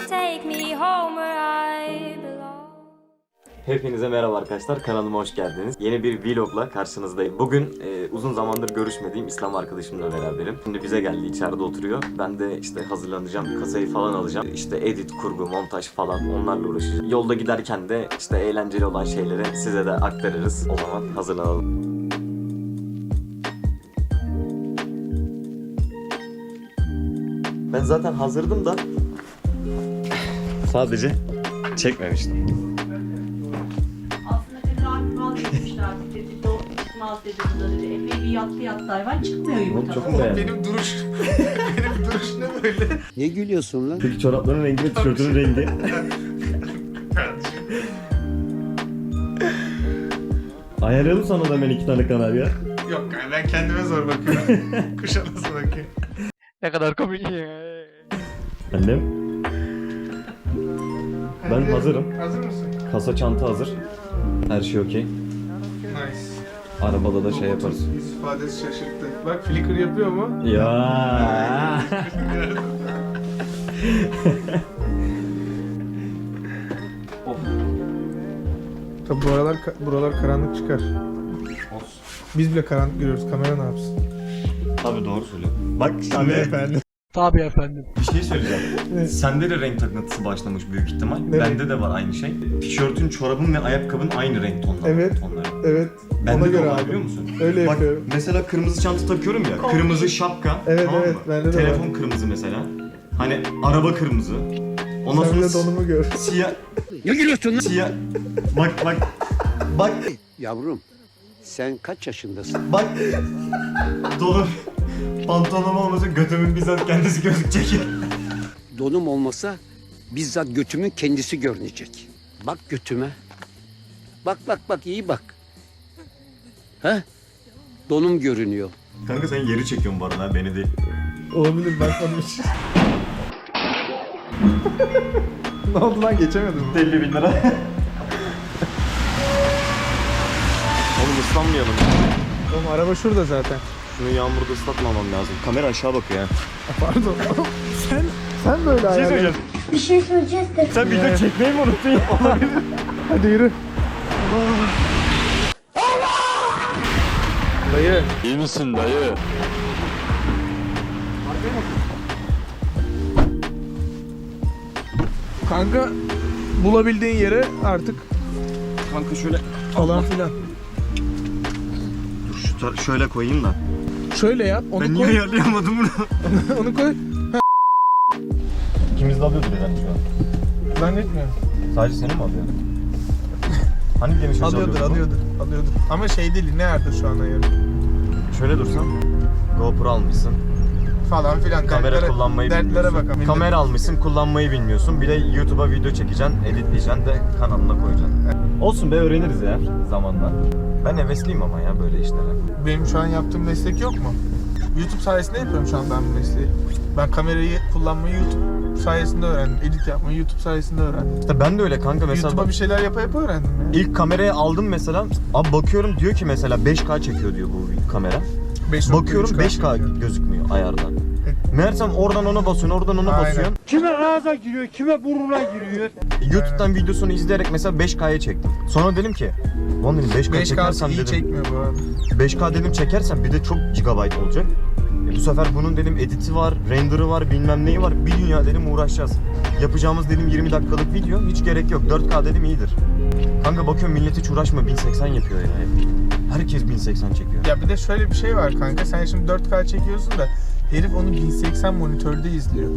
take me home where I belong. Hepinize merhaba arkadaşlar, kanalıma hoş geldiniz. Yeni bir vlogla karşınızdayım. Bugün uzun zamandır görüşmediğim İslam arkadaşımla beraberim. Şimdi bize geldi, içeride oturuyor. Ben de işte hazırlanacağım, kasayı falan alacağım. İşte edit, kurgu, montaj falan onlarla uğraşacağım. Yolda giderken de işte eğlenceli olan şeyleri size de aktarırız. O zaman hazırlanalım. Ben zaten hazırdım da sadece çekmemiştim. Aslında dedi artık vazgeçmişler dedi. O çıkmaz dedi burada dedi. Epey bir yattı hayvan çıkmıyor yumurtadan. Benim duruş ne böyle? Ne gülüyorsun lan? Peki çorapların rengi ve tişörtünün rengi? Ayarlayalım sana da ben 2 tane kanal ya. Yok yani ben kendime zor bakıyorum. Kuşa nasıl bakayım? Ne kadar komik. Annem. Ben Hadi, hazırım. Hazır mısın? Kasa çanta hazır. Her şey okey. Nice. Arabada da şey yaparız. Yüz ifadesi şaşırttı. Bak flicker yapıyor mu? Ya. Tabi buralar karanlık çıkar. Biz bile karanlık görüyoruz. Kamera ne yapsın? Tabii doğru söylüyorsun. Bak Tabii şimdi efendim. Tabii efendim. bir şey söyleyeceğim. Sende de renk takıntısı başlamış büyük ihtimal. Ne Bende de var aynı şey. Tişörtün, çorabın ve ayakkabın aynı renk tonları. Evet. Evet. Bende Ona de göre var, abi. biliyor musun? Öyle Bak yapıyorum. mesela kırmızı çanta takıyorum ya. Kırmızı şapka. Evet, tamam evet, mı? bende de Telefon var. kırmızı mesela. Hani araba kırmızı. Ondan Sen sonra de donumu gör. siyah. Ne gülüyorsun lan? Siyah. Bak. Bak. Yavrum sen kaç yaşındasın? Bak. Donum. Pantolonum olmasa götümün bizzat kendisi gözükecek. Donum olmasa bizzat götümün kendisi görünecek. Bak götüme. Bak iyi bak. He? Donum görünüyor. Kanka sen yeri çekiyorsun bu arada ha, beni değil. Olabilir bakmadım hiç. Ne oldu lan geçemedim. 50 bin lira. Oğlum ıslanmayalım. Oğlum araba şurada zaten. Şunu yağmurda ıslatmamam lazım. Kamera aşağı bakıyor ya. Pardon. sen böyle ayarladın. Bir şey söyleyeceğiz de. Sen video çekmeyi mi unuttun ya? Hadi yürü. Dayı. İyi misin dayı? Kanka bulabildiğin yere artık Kanka şöyle falan filan. dur şöyle koyayım da. Şöyle yap. Onu Ben koy. niye ayarlayamadım bunu? Onu koy. İkimiz de alıyordur herhalde şu an. Zannetmiyorum. Sadece seni mi alıyor? Hani geniş açı Alıyordur. Ama şey değil. Ne yerde şu an ayarı? Şöyle dursan. GoPro almışsın. Falan filan. Kamera kullanmayı dertlere bilmiyorsun. bakalım. Kamera almışsın, kullanmayı bilmiyorsun. Bir de YouTube'a video çekeceksin, editleyeceksin de kanalına koyacaksın. Olsun be, öğreniriz ya zamanla. Ben hevesliyim ama ya böyle işlere. Benim şu an yaptığım meslek yok mu? YouTube sayesinde yapıyorum şu an ben bu mesleği. Ben kamerayı kullanmayı YouTube sayesinde öğrendim. Edit yapmayı YouTube sayesinde öğrendim. İşte ben de öyle kanka mesela. YouTube'a bir şeyler yapa öğrendim ya. İlk kamerayı aldım mesela. Abi bakıyorum diyor ki mesela 5K çekiyor diyor bu kamera. 5.3K. Bakıyorum 5K gözükmüyor ayarda. Meğersem oradan ona basıyorsun, oradan ona Aynen. basıyorsun. Kime ağza giriyor, kime burnuna giriyor. YouTube'dan videosunu izleyerek mesela 5K'ya çektim. Sonra dedim ki, lan dedim 5K 5K çekersem iyi dedim. çekmiyor bu arada. 5K dedim çekersem bir de çok gigabyte olacak. Bu sefer bunun dedim editi var, render'ı var, bilmem neyi var. Bir dünya dedim uğraşacağız. Yapacağımız dedim 20 dakikalık video hiç gerek yok. 4K dedim iyidir. Kanka bakıyorum millet hiç uğraşma 1080 yapıyor ya. Herkes 1080 çekiyor. Ya bir de şöyle bir şey var kanka. Sen şimdi 4K çekiyorsun da herif onu 1080 monitörde izliyor.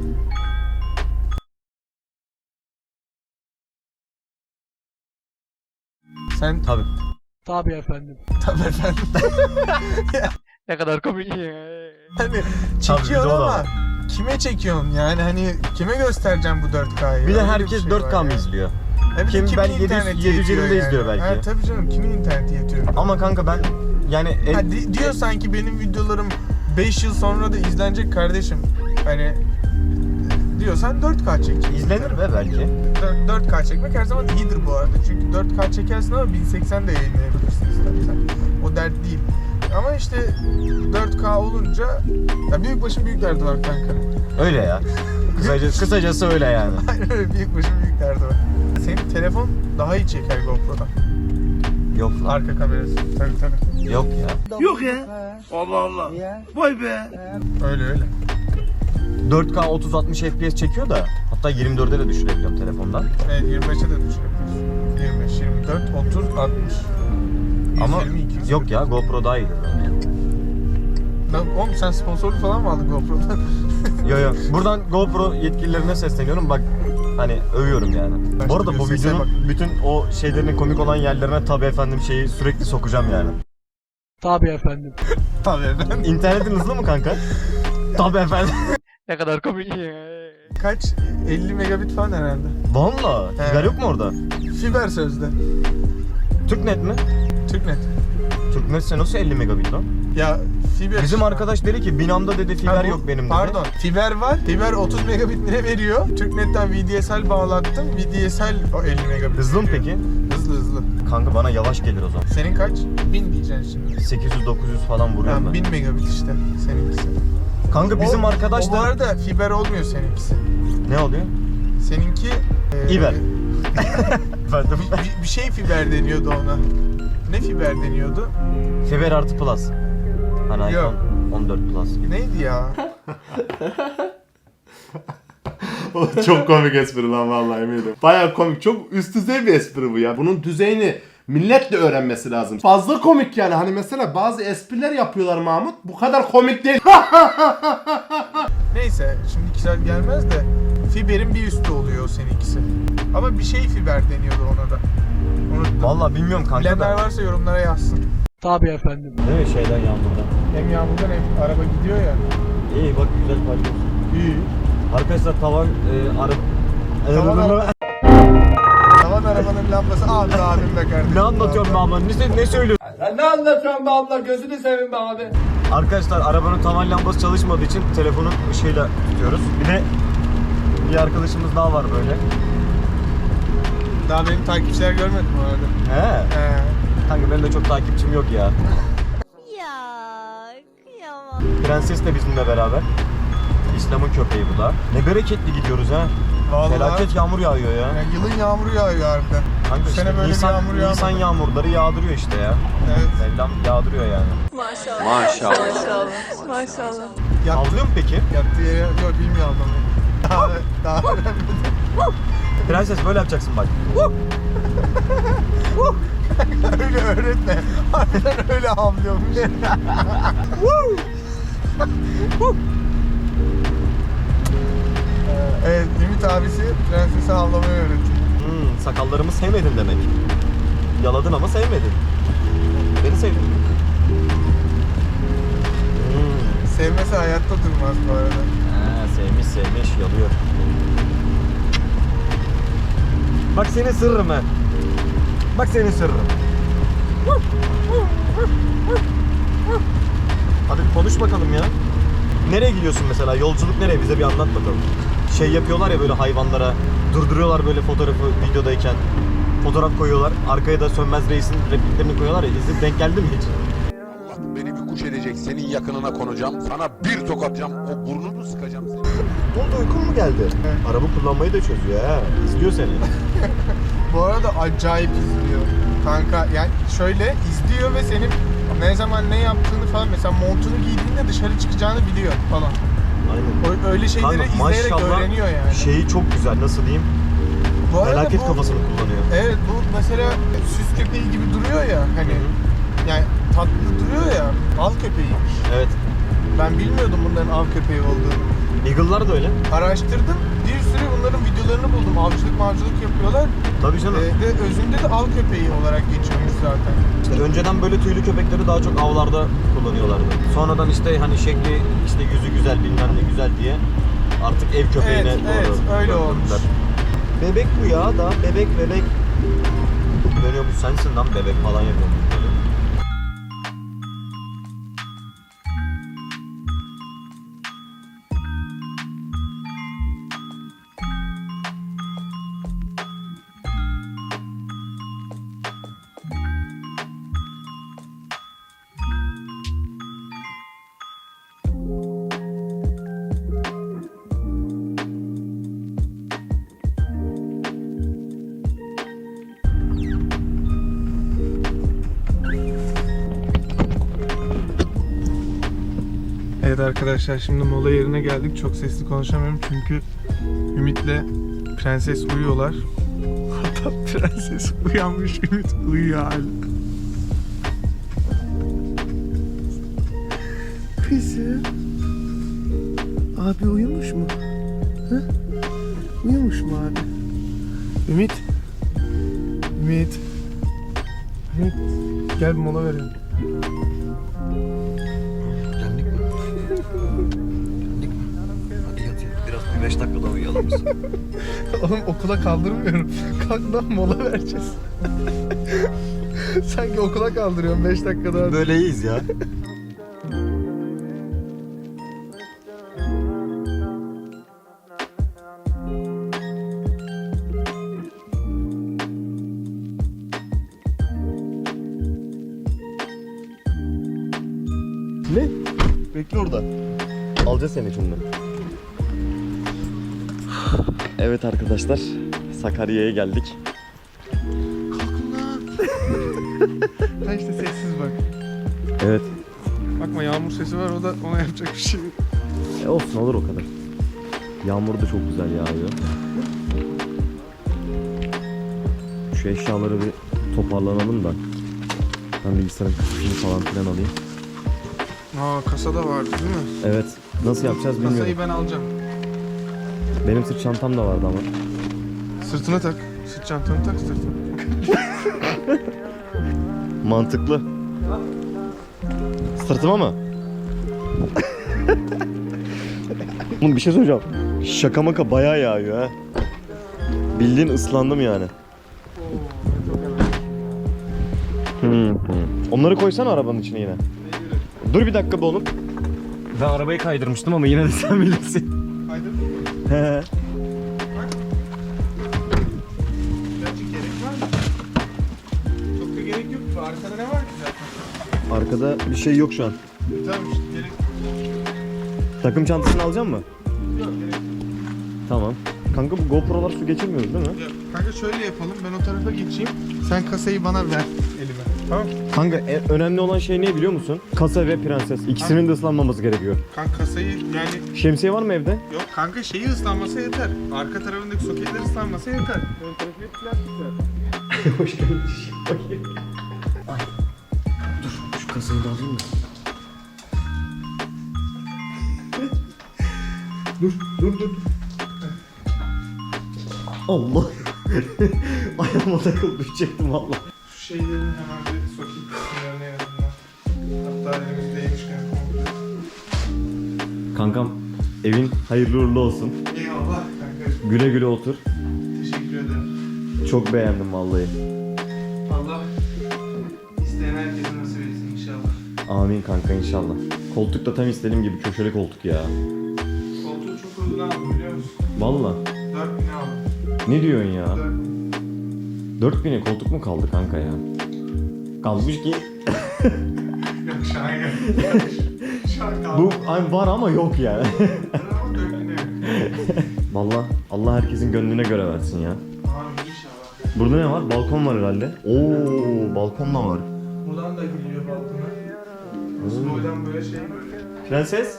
Sen Tabii. Tabii efendim. tabii efendim. Ne kadar komik. Hani bir de çekiyorsun o da ama var. kime çekiyorsun yani hani kime göstereceğim bu 4K'yı? Bir de Öyle herkes şey 4K var mı ya. izliyor? Bir de Kim kimin belki 700 interneti 750'de yetiyor izliyor belki. Ha, tabii canım kimin interneti yetiyor? Ama kanka ben yani Diyor sanki benim videolarım 5 yıl sonra da izlenecek kardeşim. Hani diyorsan 4K çek. izlenir be belki. 4K çekmek her zaman iyidir bu arada. Çünkü 4K çekersin ama 1080 de yayınlayabilirsin istersen. O dert değil. Ama işte 4K olunca ya büyük başın büyük derdi var kanka. Öyle ya. Kısacası öyle yani. Aynen öyle, büyük başım büyük derdi var. Senin telefon daha iyi çeker GoPro'dan. Yok lan. Arka kamerası. Tabii. Yok ya. Yok ya. Allah Allah. Vay be. Öyle. 4K 30-60 FPS çekiyor da hatta 24'e de düşürebiliyorum telefondan. Evet, 25'e de düşürebilirsin. 25, 24, 30, 60. Ama 120, 240. yok ya GoPro daha iyidir bence. Oğlum sen sponsorluk falan mı aldın GoPro'dan? Yo. Buradan GoPro yetkililerine sesleniyorum. Bak hani övüyorum yani. Bu arada bu Sese videonun bak. bütün o şeylerinin komik olan yerlerine tabii efendim şeyi sürekli sokacağım yani. Tabii efendim. Tabii efendim. İnternetin hızlı mı kanka? Tabii efendim. Ne kadar komik. Kaç? 50 megabit falan herhalde. Valla. Fiber yok mu orada? Fiber sözde. Türknet mi? Türknet. Türknetse nasıl 50 megabit lan? Ya fiber. Bizim arkadaş dedi ki binamda dedi fiber Ha, bu- yok benim dedi. Pardon. Fiber var. Fiber 30 megabit ne veriyor? Türknet'ten VDSL bağlattım. VDSL o 50 megabit. Hızlı mı veriyor. peki? Hızlı. Kanka bana yavaş gelir o zaman. Senin kaç? 1000 diyeceksin şimdi. 800-900 falan vuruyorum Yani ben. 1000 megabit işte seninkisi. Kanka bizim arkadaş O bu da... arada fiber olmuyor seninkisi. Ne oluyor? Seninki... İber. Efendim? bir şey fiber deniyordu ona. Ne fiber deniyordu? Fiber artı plus. Hani Yok. iPhone 14 plus. Neydi ya? Çok komik espri lan vallahi eminim. Baya komik. Çok üst düzey bir espri bu ya. Bunun düzeyini millet de öğrenmesi lazım. Fazla komik yani. Hani mesela bazı espriler yapıyorlar Mahmut. Bu kadar komik değil. Neyse şimdi kişiler gelmez de fiberin bir üstü oluyor seninkisi. Ama bir şey fiber deniyordu ona da. Unuttum. Vallahi bilmiyorum kanka Bilenler da. varsa yorumlara yazsın. Tabii efendim. Değil mi şeyden yağmurdan? Hem yağmurdan hem araba gidiyor ya. İyi bak güzel paylaşıyorsun. İyi. Arkadaşlar tavan Tavan arabanın lambası abi be kardeşim. Ne anlatıyorum be abla? Ne söylüyorsun? Sen ne anlatıyorsun be abla? Gözünü seveyim be abi. Arkadaşlar arabanın tavan lambası çalışmadığı için telefonun ışığıyla tutuyoruz. Bir de bir arkadaşımız daha var böyle. Daha benim takipçiler görmedim bu arada. He. Kanka benim de çok takipçim yok ya. Ya kıyamam. Prenses de bizimle beraber. İslam'ın köpeği bu da. Ne bereketli gidiyoruz ha. Vallahi. Felaket yağmur yağıyor ya. Yani yılın yağmuru yağıyor harbiden. Kanka Bu işte sene böyle bir yağmur yağmadı. Nisan yağmurları yağdırıyor işte ya. Evet. Mevlam yağdırıyor yani. Avlıyor mu peki? Yattığı yere yok bilmiyor adamı. Daha öğrenmedim. Prenses böyle yapacaksın bak. Öyle öğretme. Harbiden öyle havlıyormuş. Evet, Ümit abisi prensesi havlamayı öğretiyor. Sakallarımı sevmedin demek. Yaladın ama sevmedin. Beni sevdin. Sevmese hayatta durmaz bu arada. Sevmiş yalıyor. Bak senin sırrım ha. Bak senin sırrım. Hadi bir konuş bakalım ya. Nereye gidiyorsun mesela? Yolculuk nereye? Bize bir anlat bakalım. Şey yapıyorlar ya böyle hayvanlara. Durduruyorlar böyle fotoğrafı videodayken. Fotoğraf koyuyorlar. Arkaya da Sönmez Reis'in repliklerini koyuyorlar ya. İzleyip denk geldi mi hiç? Allah beni bir kuş edecek, senin yakınına konacağım, sana bir tokatacağım, o burnunu sıkacağım seni. Ne oldu, uykun mu geldi? Araba kullanmayı da çözüyor ha. İzliyor seni. Bu arada acayip izliyor. Kanka yani şöyle izliyor ve senin ne zaman ne yaptığını falan mesela montunu giydiğinde dışarı çıkacağını biliyor falan. Aynen. Öyle şeyleri Kanka, izleyerek maşallah öğreniyor yani. Şeyi çok güzel, nasıl diyeyim? Bu arada Felaket bu- kafasını kullanıyor. Evet bu mesela süs köpeği gibi duruyor ya hani yani tatlı duruyor ya av köpeğiymiş. Evet. Ben bilmiyordum bunların av köpeği olduğunu. Eagle'lar da öyle. Araştırdım. Bir sürü bunların videolarını buldum. Avcılık yapıyorlar. Tabii canım. Ve özünde de av köpeği olarak geçiyormuş zaten. İşte önceden böyle tüylü köpekleri daha çok avlarda kullanıyorlardı. Sonradan işte hani şekli, işte yüzü güzel, bilmem ne güzel diye artık ev köpeğine Evet, doğru evet, öyle döndürdüler. olmuş. Bebek bu ya da bebek. Dönüyor bu sensin lan bebek falan yapıyor. Evet arkadaşlar, şimdi mola yerine geldik. Çok sesli konuşamıyorum çünkü Ümit'le Prenses uyuyorlar. Hatta Prenses uyanmış, Ümit uyuyor hala. Kızım. Abi uyumuş mu? Hı? Uyumuş mu abi? Ümit. Ümit. Ümit. Gel bir mola verelim. Geldik mi? Geldik mi? Hadi yat yat. Biraz bir 5 dakika daha uyuyalım biz. Oğlum okula kaldırmıyorum. Kalk lan, mola vereceğiz. Sanki okula kaldırıyorum 5 dakika daha. Böyle iyiyiz ya. Ne? Bekle orada. Alacağız seni şimdi. Evet arkadaşlar, Sakarya'ya geldik. Kalkın lan. Ha işte sessiz bak. Evet. Bakma, yağmur sesi var, o da ona yapacak bir şey yok. Olsun, olur o kadar. Yağmur da çok güzel yağıyor. Şu eşyaları bir toparlanalım da. Ben bilgisayarın kasasını falan filan alayım. Aa, kasada vardı değil mi? Evet. Nasıl yapacağız bilmiyorum. Kasayı ben alacağım. Benim sırt çantam da vardı ama. Sırtına tak. Sırt çantanı tak sırtına. Mantıklı. Sırtıma mı? Oğlum bir şey söyleyeceğim. Şaka maka bayağı yağıyor ha. Bildiğin ıslandım yani. Onları koysana arabanın içine yine. Dur bir dakika be oğlum. Ben arabayı kaydırmıştım ama yine de sen bilirsin. Kaydırdın mı? He. Gerçi gerek var mı? Çok da gerek yok. Arkada ne var ki zaten? Arkada bir şey yok şu an. Tamam işte, gerek Takım çantasını alacak mısın? yok. Gerek Tamam. Kanka bu GoPro'lar su geçirmiyor değil mi? yok. Kanka şöyle yapalım. Ben o tarafa geçeyim. Sen kasayı bana ver elime. Tamam. Kanka önemli olan şey ne biliyor musun? Kasa ve prenses. İkisinin de ıslanmaması gerekiyor. Kanka kasayı yani Şemsiye var mı evde? yok kanka, şeyi ıslanmasa yeter. Arka tarafındaki soketler ıslanmasa yeter. Ön tarafı hep plastik. Hoş geldin. Ay. Dur şu kasayı da alayım da. dur. Allah. Ayağıma takılıp düşecektim valla. Şu şeylerin hemen bir sokayım kısımlarına en azından. Hatta elimizdeymişken komple. Kankam evin hayırlı uğurlu olsun. Eyvallah kanka. Güle güle otur. Teşekkür ederim. Çok beğendim vallahi. Allah isteyen herkese nasip etsin inşallah. Amin kanka inşallah. Koltuk da tam istediğim gibi köşeli koltuk ya. Koltuğu çok uygun aldım biliyor musun? Valla. 4.000'e aldım. Ne diyorsun ya? 4.000. 4000'e koltuk mu kaldı kanka ya? Kalmış ki. Yok şu an yok. Şu an kaldı. Bu ay var ama yok yani. Ama 4.000'e. Valla Allah herkesin gönlüne göre versin ya. Abi inşallah. Burada ne var? Balkon var herhalde. Oo, balkon da var. Buradan da gidiyor balkona. Boydan böyle şey böyle. Prenses.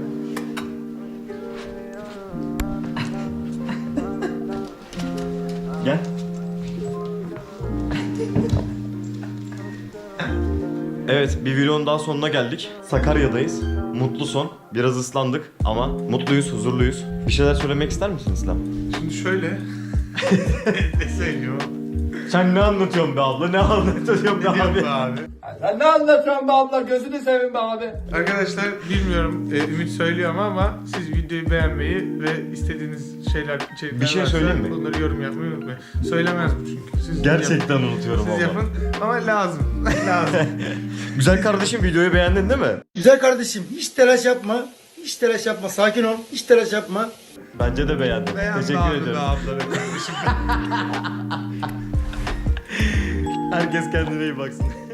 Gel. Evet, bir videonun daha sonuna geldik. Sakarya'dayız. Mutlu son. Biraz ıslandık ama mutluyuz, huzurluyuz. Bir şeyler söylemek ister misin İslam? Şimdi şöyle. Ne söylüyor? Sen ne anlatıyorsun be abla? Ne anlatıyorsun be Ne diyorsun abi? be abi? Sen ne anlatıyorsun be abla gözünü seveyim be abi. Arkadaşlar bilmiyorum Ümit söylüyor ama siz videoyu beğenmeyi ve istediğiniz içerikler Bir şey varsa söyleyeyim mi? bunları yorum yapmayı unutmayın. Söylemez bu çünkü. Siz Gerçekten yapın. unutuyorum Siz abla. yapın ama lazım. lazım. Güzel kardeşim videoyu beğendin değil mi? Güzel kardeşim hiç telaş yapma. Hiç telaş yapma. Sakin ol. Hiç telaş yapma. Bence de beğendim. Beğen Teşekkür abi ederim. be abla be kardeşim. Herkes kendine iyi baksın.